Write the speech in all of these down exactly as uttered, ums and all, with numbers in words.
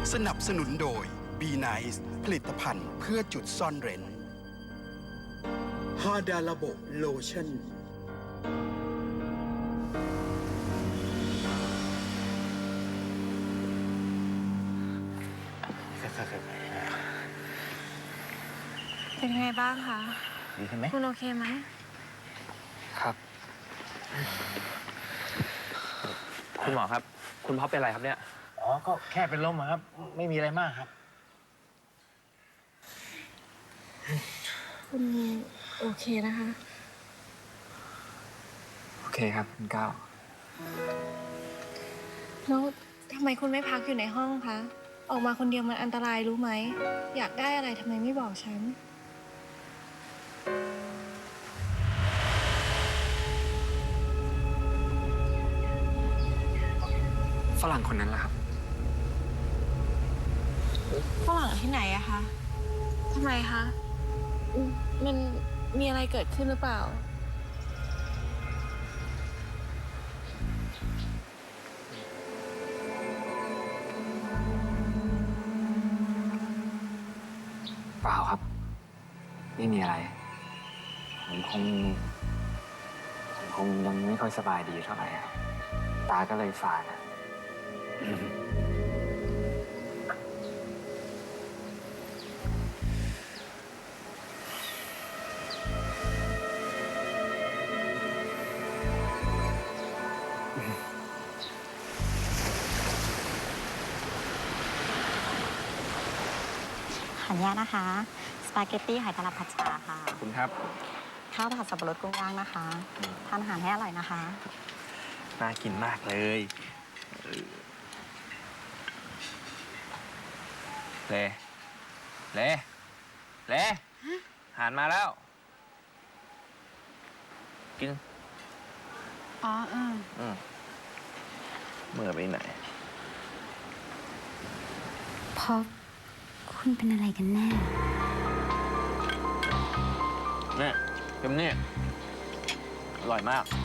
สนับสนุนโดย Be Nice ผลิตภัณฑ์เพื่อจุดซ่อนเร้นฮาดาลาโบโลชั่นเป็นไงบ้างคะดีขึ้นไหมคุณโอเคไหมครับคุณหมอครับคุณพ่อเป็นอะไรครับเนี่ยอ๋อก็แค่เป็นลมครับไม่มีอะไรมากครับคุณโอเคนะคะโอเคครับคุณก้าวแล้วทำไมคุณไม่พักอยู่ในห้องคะออกมาคนเดียวมันอันตรายรู้ไหมอยากได้อะไรทำไมไม่บอกฉันฝรั่งคนนั้นล่ะครับฝรั่งที่ไหนอะคะทำไมคะมันมีอะไรเกิดขึ้นหรือเปล่าเปล่าครับไม่มีอะไรผมคงผมคงยังไม่ค่อยสบายดีเท่าไหร่ตาก็เลยฝาดนะขออนุญาตนะคะสปาเกตตี้หอยทากผัดชาค่ะขอบคุณครับข้าวผัดสับปะรดกุ้งย่างนะคะทานอาหารให้อร่อยนะคะน่ากินมากเลยเล่เล่เล่อาหารมาแล้วกินอ๋อเอออืมเมื่อไปไหนพอคุณเป็นอะไรกันแน่เนี่ยเค็มนี่อร่อยมาก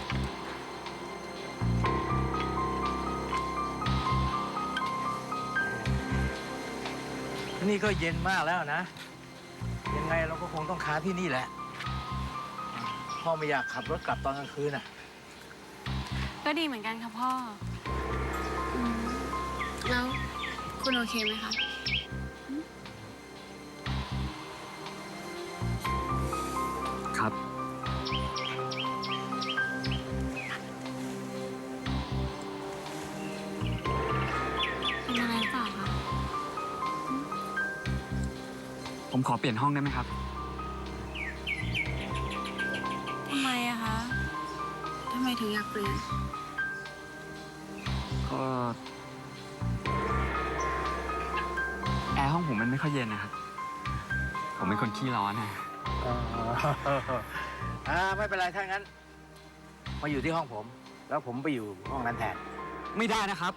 นี่ก็เย็นมากแล้วนะยังไงเราก็คงต้องค้างที่นี่แหละพ่อไม่อยากขับรถกลับตอนกลางคืนน่ะก็ดีเหมือนกันค่ะพ่อแล้วคุณโอเคไหมคะครับเป็นอะไรหรือเปล่าคะผมขอเปลี่ยนห้องได้ไหมครับทำไมอะคะทำไมถึงอยากเปลี่ยนก็แอร์ห้องผมมันไม่ค่อยเย็นนะครับผมเป็นคนขี้ร้อนนะอ่าไม่เป็นไรถ้างั้นมาอยู่ที่ห้องผมแล้วผมไปอยู่ห้องนั้นแทนไม่ได้นะครับ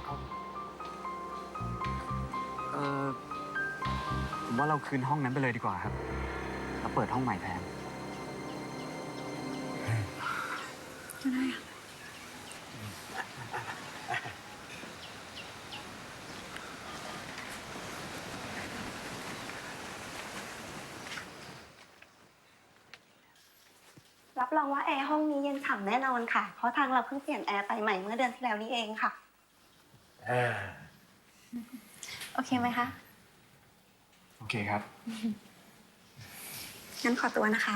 เออผมว่าเราคืนห้องนั้นไปเลยดีกว่าครับแล้วเปิดห้องใหม่แทนก็ได้ค่ะรับรองว่าแอร์ห้องนี้เย็นฉ่ำแน่นอนค่ะเพราะทางเราเพิ่งเปลี่ยนแอร์ไปใหม่เมื่อเดือนที่แล้วนี้เองค่ะโอเคไหมคะโอเคครับงั้นขอตัวนะคะ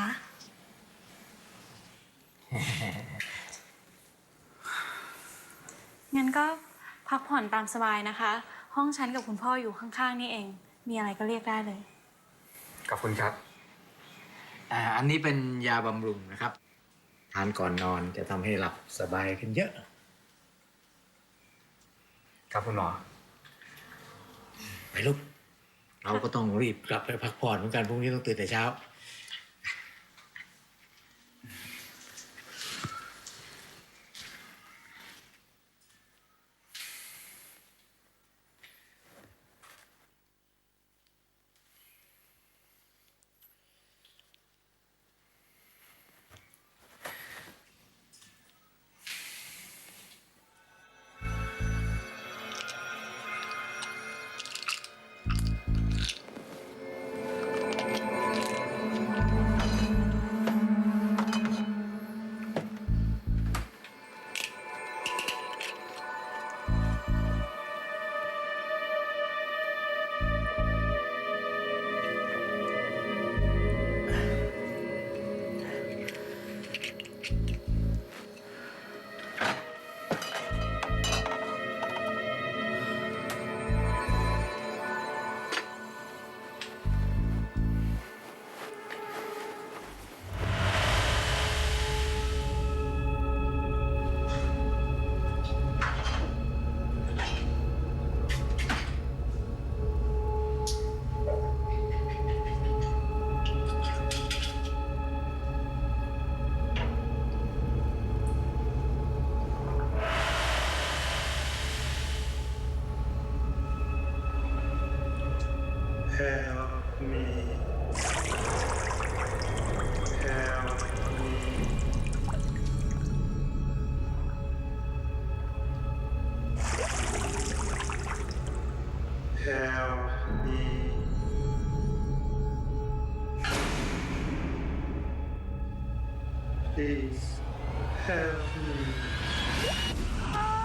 งั้นก็พักผ่อนตามสบายนะคะห้องฉันกับคุณพ่ออยู่ข้างๆนี่เองมีอะไรก็เรียกได้เลยขอบคุณครับอ่าอันนี้เป็นยาบำรุงนะครับทานก่อนนอนจะทำให้หลับสบายขึ้นเยอะครับคุณหมอไปลูกเราก็ต้องรีบกลับไปพักผ่อนเหมือนกันพรุ่งนี้ต้องตื่นแต่เช้า Help me. Help me. Help me. Please help me.